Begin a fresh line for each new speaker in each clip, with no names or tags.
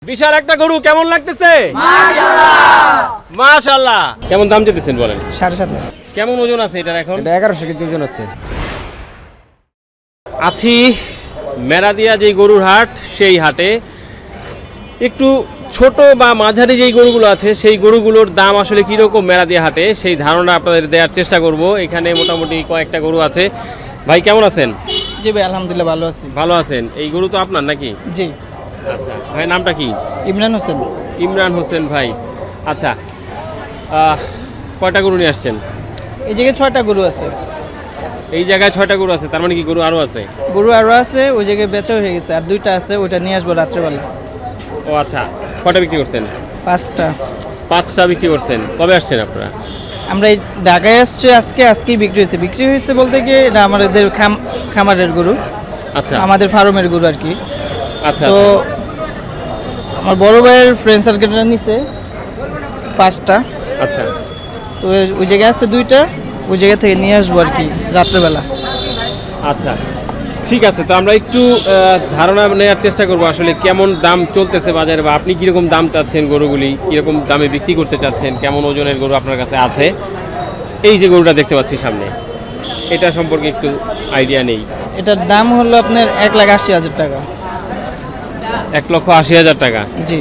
বিশাল একটা গরু কেমন লাগতেছে? মাশাআল্লাহ মাশাআল্লাহ। কেমন দাম চেয়েছেন বলেন?
7.5 লাখ।
কেমন ওজন আছে এটার এখন?
এটা 1100 কেজি ওজন আছে।
আছি মেরাদিয়া যেই গরুর হাট, সেই হাটে একটু ছোট বা মাঝারি যেই গরুগুলো আছে সেই গরুগুলোর দাম আসলে কীরকম মেরাদিয়া হাটে সেই ধারণা আপনাদের দেওয়ার চেষ্টা করব। এখানে মোটামুটি কয়েকটা গরু আছে। ভাই কেমন আছেন?
জি ভাই, আলহামদুলিল্লাহ ভালো আছি।
ভালো আছেন। এই গরু তো আপনার নাকি?
জি।
আচ্ছা ভাই, নামটা কি?
ইমরান হোসেন।
ইমরান হোসেন ভাই। আচ্ছা, কয়টা গরু নিয়ে আসছেন?
এই জায়গায় 6টা গরু আছে।
এই জায়গায় 6টা গরু আছে, তার মানে কি গরু আরও আছে?
গরু আরও আছে, ওই জায়গায় বেচা হয়ে গেছে, আর 2টা আছে, ওইটা নিয়ে আসবো রাত্রেবেলা।
ও আচ্ছা, কয়টা বিক্রি করছেন?
5টা।
5টা বিক্রি করছেন। কবে আসছেন আপনারা?
আমরা এই ঢাকায় আসছি আজকেই বিক্রি হয়েছে বলতে গিয়ে এটা আমাদের খামারের গরু,
আচ্ছা
আমাদের ফার্মের গরু আর কি।
আচ্ছা
তো আমার বড় ভাইয়ের ফ্রেন্ড সার্কেলটা নিছে 5টা।
আচ্ছা
তো ওই জায়গায় আছে 2টা, ওই জায়গা থেকে নিয়ে আসবো আর কি রাত্রেবেলা।
আচ্ছা ঠিক আছে। তো আমরা একটু ধারণা নেওয়ার চেষ্টা করবো আসলে কেমন দাম চলতেছে বাজারে, বা আপনি কীরকম দাম চাচ্ছেন, গরুগুলি কীরকম দামে বিক্রি করতে চাচ্ছেন, কেমন ওজনের গরু আপনার কাছে আছে। এই যে গরুটা দেখতে পাচ্ছি সামনে, এটা সম্পর্কে একটু আইডিয়া নেই।
এটার দাম হলো আপনার 1,80,000 টাকা।
1,80,000 টাকা।
জি।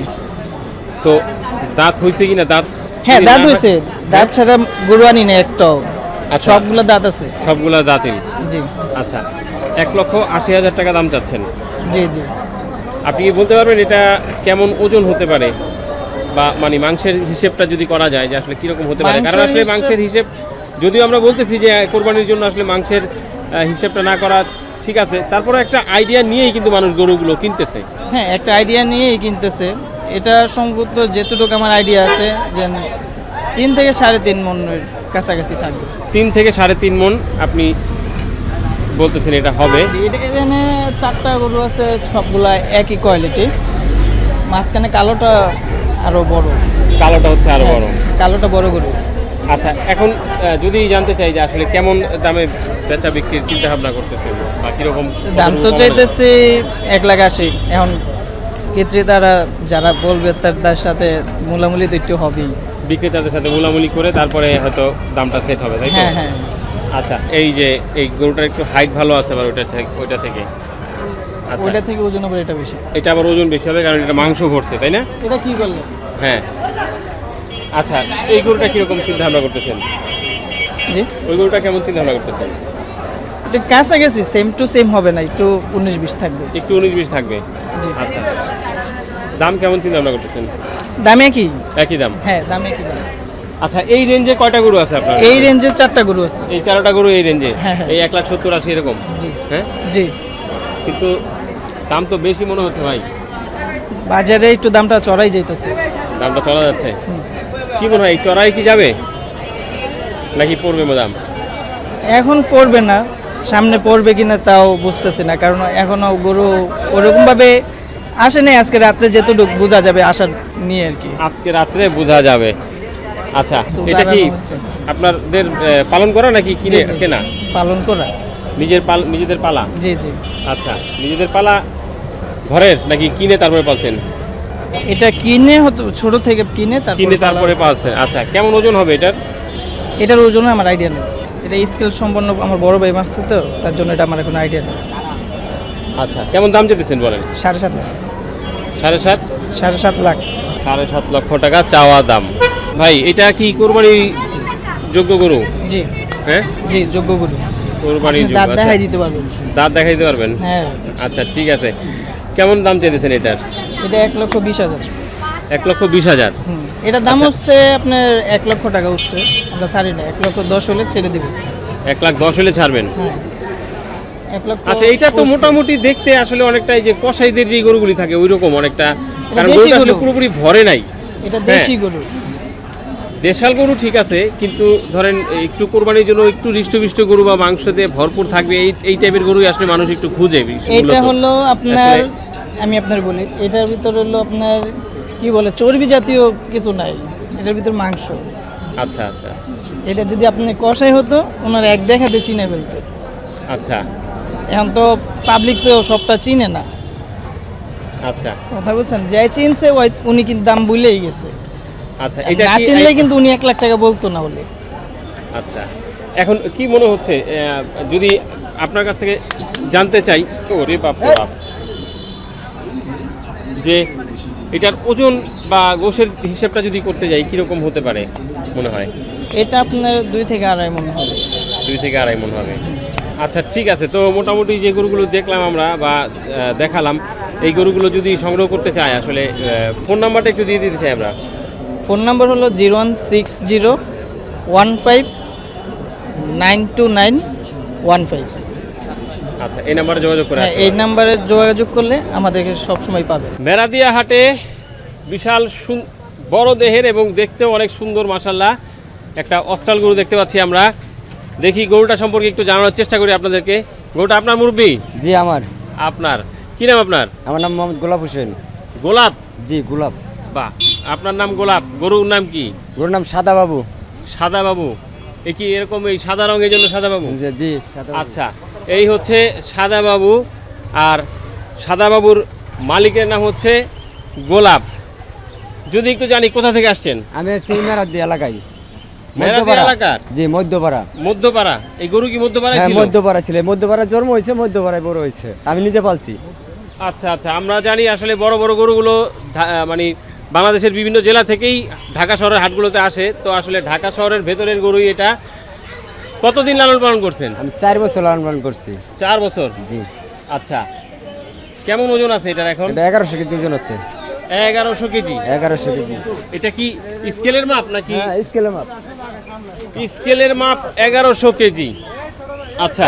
তো দাঁত হয়েছে কিনা? দাঁত
হ্যাঁ, দাঁত হয়েছে। দাঁত ছাড়া গরু আনি না একটাও।
আচ্ছা।
সবগুলো দাঁত আছে।
সবগুলা দাঁতিল।
জি।
আচ্ছা, 1,80,000 টাকা দাম চাচ্ছেন।
জি জি।
আপনি কি বলতে পারবেন এটা কেমন ওজন হতে পারে, বা মানে মাংসের হিসেবটা যদি করা যায় যে আসলে কিরকম হতে পারে? কারণ আসলে মাংসের হিসেব যদিও আমরা বলতেছি যে কোরবানির জন্য আসলে মাংসের হিসেবটা না করা ঠিক আছে, তারপরে একটা আইডিয়া নিয়েই কিন্তু মানুষ গরুগুলো কিনতেছে।
হ্যাঁ, একটা আইডিয়া নিয়েই কিনতেছে। এটা সম্ভবত যেটুকু আমার আইডিয়া আছে যে 3 থেকে 3.5 মনের কাছাকাছি থাকবে।
3 থেকে 3.5 মণ আপনি বলতেছেন এটা হবে।
এখানে 4টা গরু আছে, সবগুলা একই কোয়ালিটি। মাঝখানে কালোটা আরো বড়।
কালোটা হচ্ছে আরো বড়।
কালোটা বড় গরু।
আচ্ছা, এখন যদি জানতে চাই যে আসলে কেমন দামে বেচা বিক্রির চিন্তা ভাবনা করতেছেন, বা কিরকম
দাম তো চাইতেছি 1,80,000। এখন ক্রেতারা যারা বলবে তার সাথে মূলামূলি তো একটু হবেই।
বিক্রেতাদের সাথে মূলামূলি করে তারপরে হয়তো দামটা সেট হবে, তাই তো?
হ্যাঁ হ্যাঁ।
আচ্ছা, এই যে এই গরুটার একটু হাইট ভালো আছে আবার ওইটা থেকে। আচ্ছা,
ওইটা থেকে ওজন হবে এটা বেশি।
এটা আবার ওজন বেশি হবে কারণ এটা মাংস ভরছে, তাই না?
এটা কি করলে?
হ্যাঁ। আচ্ছা, এই গরুটা কিরকম চিন্তা ভাবনা করতেছেন?
জি।
ওই গরুটা কেমন চিন্তা ভাবনা করতেছেন?
এটা কাছাকাছি সেম টু সেম হবে না, একটু 19-20 থাকবে।
একটু 19-20 থাকবে।
জি।
আচ্ছা, দাম কেমন চিন্তা ভাবনা করতেছেন?
দামে কি?
একই দাম।
হ্যাঁ, দামে কি দাম।
আচ্ছা, এই রেঞ্জে কয়টা গরু আছে আপনার?
এই রেঞ্জে 4টা গরু আছে।
এই 4টা গরু এই রেঞ্জে?
হ্যাঁ, হ্যাঁ।
এই 1,70,000-80 এরকম?
জি।
হ্যাঁ
জি।
কিন্তু দাম তো বেশি মনে হচ্ছে ভাই।
বাজারে একটু দামটা চড়াই যাইতেছে।
দামটা চলা যাচ্ছে। কি মনে হয় এই চড়াই কি যাবে নাকি পড়বে দাম?
এখন পড়বে না, সামনে পড়বে কিনা তাও বুঝতেছি না, কারণ এখনো গরু ওরকম ভাবে আসে নাই। আজকে রাত্রে যেটুকু বোঝা যাবে আশা নিয়ে আর কি।
আজকে রাত্রে বোঝা যাবে। আচ্ছা,
তো
এটা কি
দাঁড়ানো হয়েছে।
আপনাদের পালন করা নাকি কিনে
জি, জি।
কেনা?
পালন করা।
নিজেদের পালা?
জি জি।
আচ্ছা, নিজেদের পালা ঘরের নাকি কিনে তারপরে পালছেন?
এটা কিনে হতো, ছোট থেকে কিনে
তারপরে পালছেন। আচ্ছা, কেমন ওজন হবে এটার?
এটার ওজন আমার আইডিয়া নেই। এটা স্কেল সম্পন্ন আমার বড় ভাই মারছে, তো তার জন্য এটা আমার কোনো আইডিয়া নেই।
আচ্ছা, কেমন দাম চেয়েছেন বলেন?
7.5 লাখ।
7.5?
7.5 লাখ।
7.5 লক্ষ টাকা চাওয়া দাম। ভাই, এটা কি কোরবানি যোগ্য গরু?
জি।
হ্যাঁ
জি, যোগ্য গরু।
কোরবানির
দাঁত
যোগ্য।
দেখাই দিতে পারবেন।
দাঁত দেখাই দিতে পারবেন?
হ্যাঁ।
আচ্ছা ঠিক আছে। কেমন দাম চেয়েছেন এটার?
এটা 1,20,000।
1,20,000?
এটার দাম
আচ্ছা।
হচ্ছে আপনার 1 লক্ষ টাকা উঠছে। আমরা ছাড়ি না, 1,10,000 হলে ছেড়ে দেবো।
1,10,000 হলে ছাড়বেন?
হ্যাঁ, 1 লক্ষ।
আচ্ছা, এটা তো
উঠছে।
মোটামুটি দেখতে আসলে অনেকটাই যে কসাইদের যে গরুগুলি থাকে ওই রকম অনেকটা, কারণ
দেশি
গরুটা আসলে
গরু।
পুরোপুরি ভরে নাই।
এটা দেশি গরু।
দেশাল গরু ঠিক আছে, কিন্তু ধরেন একটু কোরবানির জন্য একটু হৃষ্টপুষ্ট গরু বা মাংস দিয়ে ভরপুর থাকবে এই টাইপের গরুই আসলে মানুষ একটু খুঁজে
এটা
মূলত।
হলো আপনার,
আসলে-
আমি আপনার বলি, এটার ভিতর হলো আপনার কি বলে চর্বি জাতীয় কিছু নাই, এটার ভিতর মাংস।
আচ্ছা আচ্ছা
এটা যদি আপনি কষাই হতো ওনার এক দেখাতে চিনে ফেলতো।
আচ্ছা।
এখন তো পাবলিক তো সবটা চিনে না।
আচ্ছা
কথা বলছেন, যে চিনছে উনি কিন্তু দাম বলেই গেছে।
আচ্ছা এটা
না
কি
চিনলে কিন্তু উনি 1 লাখ টাকা বলতো না বলে।
আচ্ছা এখন কি মনে হচ্ছে যদি আপনার কাছ থেকে জানতে চাই, ওরে বাপ রে বাপ, যে এটার ওজন বা গোশের হিসাবটা যদি করতে যাই কিরকম হতে পারে মনে হয়?
এটা আপনার 2 থেকে 2.5 মণ হবে।
2 থেকে 2.5 মণ হবে। আচ্ছা ঠিক আছে, তো মোটামুটি যে গরুগুলো দেখলাম আমরা বা দেখালাম, এই গরুগুলো যদি সংগ্রহ করতে চাই আসলে ফোন নাম্বারটা একটু দিয়ে দিতে চাই আমরা।
ফোন নাম্বার হলো 01601592915।
আচ্ছা এই নাম্বারে যোগাযোগ করে
হ্যাঁ,
আসতে
এই
পারেন।
নাম্বারে যোগাযোগ করলে আমাদেরকে সবসময় পাবে।
মেরাদিয়া হাটে বিশাল বড় দেহের এবং দেখতেও অনেক সুন্দর মাশাল্লাহ একটা অস্টাল গরু দেখতে পাচ্ছি আমরা। দেখি গরুটা সম্পর্কে একটু জানানোর চেষ্টা করি আপনাদেরকে। গরুটা আপনার মুরব্বি?
জি আমার।
আপনার কি নাম আপনার?
আমার নাম মোহাম্মদ গোলাপ হোসেন।
গোলাপ?
জি গোলাপ।
বাহ, আপনার নাম গোলাপ, গরুর নাম কি?
গরুর নাম সাদা বাবু।
সাদা বাবু? এ কি এরকম এই সাদা রঙের জন্য সাদা বাবু?
জি সাদা বাবু।
আচ্ছা, এই হচ্ছে সাদা বাবু, আর সাদা বাবুর মালিকের নাম হচ্ছে গোলাপ। যদি একটু জানি কোথা থেকে আসছেন?
আমি আসছি মেরাদি এলাকায়।
মেরাদিয়া এলাকার?
জি মধ্যপাড়া।
মধ্যপাড়া? এই গরু কি মধ্যপাড়ায়
হ্যাঁ
ছিল?
মধ্যপাড়া ছিল, মধ্যপাড়া জন্ম হয়েছে, মধ্যপাড়ায় বড় হয়েছে, আমি নিজে পালছি।
আচ্ছা আচ্ছা, আমরা জানি আসলে বড় বড় গরুগুলো মানে বাংলাদেশের বিভিন্ন জেলা থেকেই ঢাকা শহরের হাটগুলোতে আসে। তো আসলে ঢাকা শহরের ভেতরের গরুই এটা। কতদিন লালন পালন করছেন?
আমি 4 বছর লালন পালন করছি।
4 বছর?
জি।
আচ্ছা, কেমন ওজন আছে এটার এখন?
এটা 1100 কেজি ওজন আছে।
1100 কেজি?
1100 কেজি।
এটা কি স্কেলের মাপ নাকি?
হ্যাঁ স্কেলে মাপ।
স্কেলের মাপ 1100 কেজি। আচ্ছা,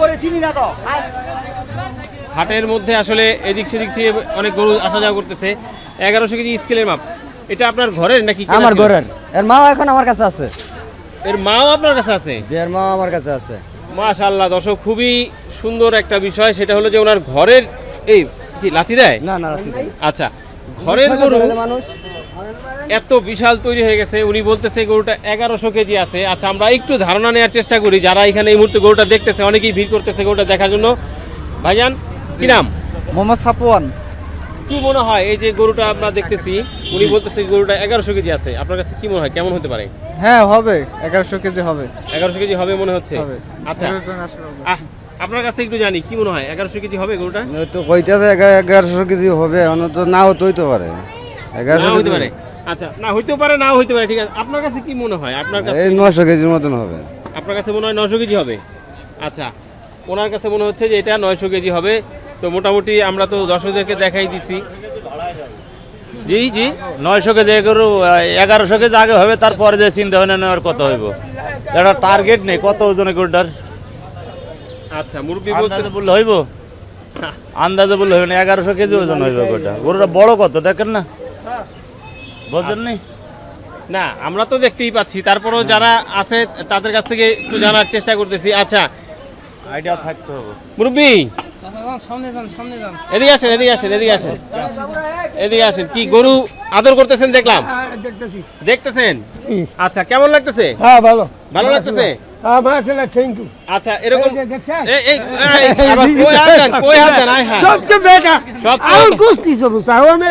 হাটের মধ্যে আসলে এদিক সেদিক থেকে অনেক গরু আসা যাওয়া করতেছে। 1100 কেজি স্কেলের মাপ। এটা আপনার ঘরের নাকি কেনা
আমার
ছিল?
ঘরের। এর মাও এখন আমার কাছে আছে।
এর মাও আপনার কাছে আছে?
যে এর মাও আমার কাছে আছে।
মাশাআল্লাহ, দর্শক খুবই সুন্দর একটা বিষয়, সেটা হলো যে ওনার ঘরের এই কি লাথি দেয়?
না না রাখি দেয়।
আচ্ছা, ঘরের গরু
মানুষ
এত বিশাল তৈরি হয়ে গেছে, উনি বলতেছে গরুটা 1100 কেজি আছে। আচ্ছা, আমরা একটু ধারণা নেওয়ার চেষ্টা করি, যারা এখানে এই মুহূর্তে গরুটা দেখতেছে, অনেকেই ভিড় করতেছে গরুটা দেখার জন্য। ভাইজান কি নাম?
মোহাম্মদ সাফওয়ান।
কি মনে হয় এই যে গরুটা আমরা দেখতেছি, উনি বলতেছে গরুটা 1100 কেজি আছে, আপনার কাছে কি মনে হয় কেমন হতে পারে?
হ্যাঁ হবে, 1100 কেজি হবে।
1100 কেজি হবে মনে হচ্ছে?
হবে।
আচ্ছা, আপনার কাছ থেকে একটু জানি কি মনে হয় 1100 কেজি হবে গরুটা?
তো কইতাছে 1100 কেজি হবে, অন্তত নাও তো হইতে পারে। 1100
নাও হইতে
কেজি
পারে। আচ্ছা, না হইতে পারে, নাও হইতে পারে, ঠিক আছে। আপনার কাছে কি মনে হয়? আপনার কাছে
এই 900 কেজির মতন হবে।
আপনার কাছে মনে হয় 900 কেজি হবে? আচ্ছা, ওনার কাছে মনে হচ্ছে যে এটা 900 কেজি হবে। তো মোটামুটি আমরা তো দর্শকদেরকে দেখাই দিছি। জি জি,
900 কেজি গরু 1100 কেজি আগে হবে, তারপরে যে চিন্তা ভাবনা নেওয়ার কত হইব, এটা টার্গেট নেই কত ওজনে গরুটার।
আচ্ছা, মুরব্বি
আন্দাজে
বলতেছে
বললে হইব, আন্দাজে বললে হইব না। 1100 কেজি ওজন হইব গরুটা। গরুটা বড় কত দেখেন না, বুঝলেন নি?
না, আমরা তো দেখতেই পাচ্ছি, তারপরও যারা আছে তাদের কাছ থেকে একটু জানার চেষ্টা করতেছি। আচ্ছা
আইডিয়া থাকতে হবে।
মুরব্বি, এদিকে আসেন, এদিকে আসেন, এদিকে আসেন, এদিকে আসেন। কি গরু আদর করতেছেন দেখলাম? দেখতেছেন? আচ্ছা, কেমন লাগতেছে?
হ্যাঁ ভালো
ভালো লাগতেছে?
হ্যাঁ মাশাআল্লাহ, থ্যাংক ইউ।
আচ্ছা, এরকম
দেখছেন?
আবার কই হাত দেন, কই হাত দেন, আয় হ্যাঁ।
সবচেয়ে বেটা
সবচেয়ে
আর
বেটা।
কুস্তি সব চাও আমি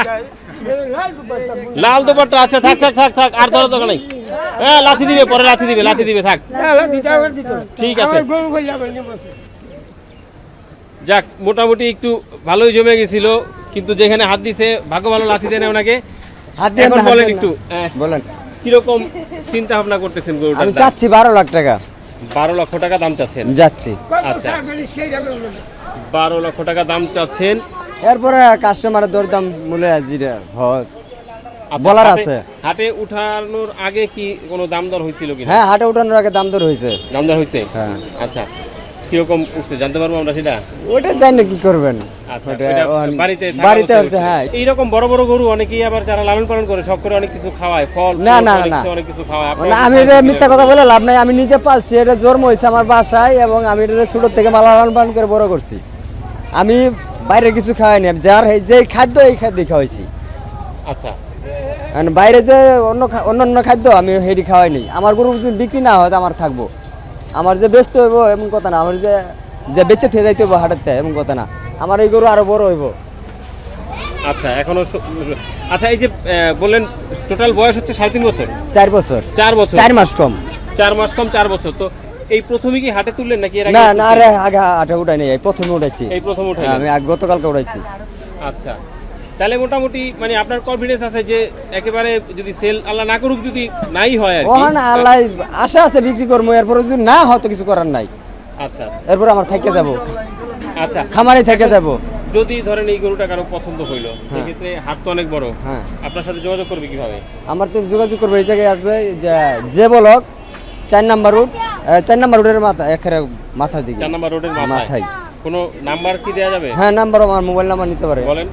লাল দুপাট্টা। আচ্ছা, থাক থাক থাক থাক, আর ধরো দরকার নেই। হ্যাঁ, লাথি দিবে, পরে লাথি দিবে, লাথি দিবে, থাক। ঠিক আছে।
গরু বলে যাবেন নিবসে।
যাক, মোটামুটি একটু ভালোই জমে গেছিল, কিন্তু যেখানে হাত দিছে ভাগ্য ভালো, লাথি দেয় না ওনাকে।
হাত দিয়ে
এখন
না, হাত
বলেন
দিয়ে
একটু
না। বলেন।
কিরকম চিন্তা ভাবনা করতেছেন গরুটার
আমি
দাম?
চাচ্ছি 12 লাখ টাকা
12 লক্ষ টাকা দাম চাচ্ছেন?
যাচ্ছি।
আচ্ছা, 12 লক্ষ টাকা দাম চাচ্ছেন।
এরপরে কাস্টমারের দরদাম মূল্য যেটা হয়
আচ্ছা,
বলার
হাটে-
আছে।
হাটে উঠানোর আগে কি কোনো দাম দর হয়েছিল কিনা?
হ্যাঁ হাটে উঠানোর আগে দাম দর হয়েছে।
দাম দর হয়েছে?
হ্যাঁ।
আচ্ছা, কিরকম উঠছে জানতে পারবো আমরা সেটা?
ওটা জানি না কি করবেন।
আচ্ছা,
ওটা
ওইটা
ওখান-
বাড়িতে থাকা
বাড়িতে
অবস্থায়
হচ্ছে,
উঠছে।
হ্যাঁ।
এইরকম বড় বড় গরু অনেকেই আবার যারা লালন পালন করে শখ করে অনেক কিছু খাওয়ায়, ফল
না,
ফ্রুট,
না,
অনেক
না।
কিছু- অনেক কিছু খাওয়ায়।
না,
আপনারা
আমি
কি
এটা
খান
মিথ্যা
কিনা?
কথা বলে লাভ নাই, আমি নিজে পালছি, এটা জন্ম হয়েছে আমার বাসায় এবং আমি এটা ছোট থেকে লালন পালন করে বড় করছি। আমি বাইরে কিছু খাওয়াইনি, যার যে খাদ্য এই খাদ্য খাওয়াইছি।
আচ্ছা,
আর বাইরে যে অন্য খাদ্য আমি হেডি খাওয়াইনি। আমার গরু যদি বিক্রি না হয় তো আমার থাকবো, আমার যে ব্যস্ত হইব এমন কথা না, আমার যে বেঁচে থেকে যাইতে হইব হাটের থেকে এমন কথা না। আমার এই গরু আরো বড় হইব।
আচ্ছা এখনো আচ্ছা এই যে বললেন টোটাল বয়স হচ্ছে 3.5 বছর
4 বছর
4 বছর
4 মাস কম
4 মাস কম 4 বছর তো এই প্রথমে কি হাটে তুললেন নাকি এর আগে
না না
তুলছেন?
আরে আগে আটা উঠাই নাই এই প্রথমে উঠাইছি
এই প্রথম উঠাই
আমি আগে গতকালকে উঠাইছি
আচ্ছা তাহলে মোটামুটি মানে আপনার কনফিডেন্স আছে যে একেবারে যদি সেল আল্লাহ না করুক যদি নাই হয় আর কি
ওখানে আল্লাহ আশা আছে বিক্রি করবো এরপরে যদি না হয়তো কিছু করার নাই
আচ্ছা
এরপর আমার থেকে যাব
আচ্ছা
খামারে থেকে যাব
যদি ধরেন এই গরুটা কারো পছন্দ হইলো সেক্ষেত্রে হাট তো অনেক বড়
হ্যাঁ
আপনার সাথে যোগাযোগ করবে কিভাবে
আমার তো যোগাযোগ করবো এই জায়গায় আসবে যে বলক 4 নাম্বার রোড 4 নাম্বার রোডের মাথা একেবারে মাথা দিকে
4 নম্বর রোডের মাথায়
মাথায়
কোনো নাম্বার কি দেয়া যাবে
হ্যাঁ নাম্বার আমার মোবাইল নাম্বার নিতে পারে
বলেন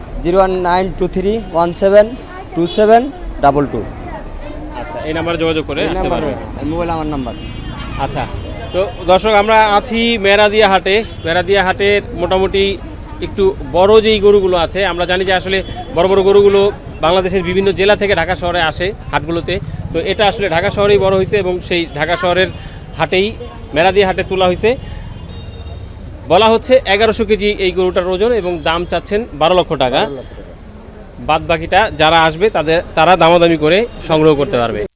01923172722
আচ্ছা এই নাম্বারে যোগাযোগ করে আসতে পারবে
মোবাইল আমার নাম্বার
আচ্ছা তো দর্শক আমরা আছি মেরাদিয়া হাটের মোটামুটি একটু বড় যেই গরুগুলো আছে আমরা জানি যে আসলে বড় বড় গরুগুলো বাংলাদেশের বিভিন্ন জেলা থেকে ঢাকা শহরে আসে হাটগুলোতে তো এটা আসলে ঢাকা শহরেই বড় হয়েছে এবং সেই ঢাকা শহরের হাটেই মেরাদিয়া হাটে তোলা হয়েছে বলা হচ্ছে 1100 কেজি এই গরুটার ওজন এবং দাম চাচ্ছেন 12 লক্ষ টাকা বাদ বাকিটা যারা আসবে তারা দামাদামি করে সংগ্রহ করতে পারবে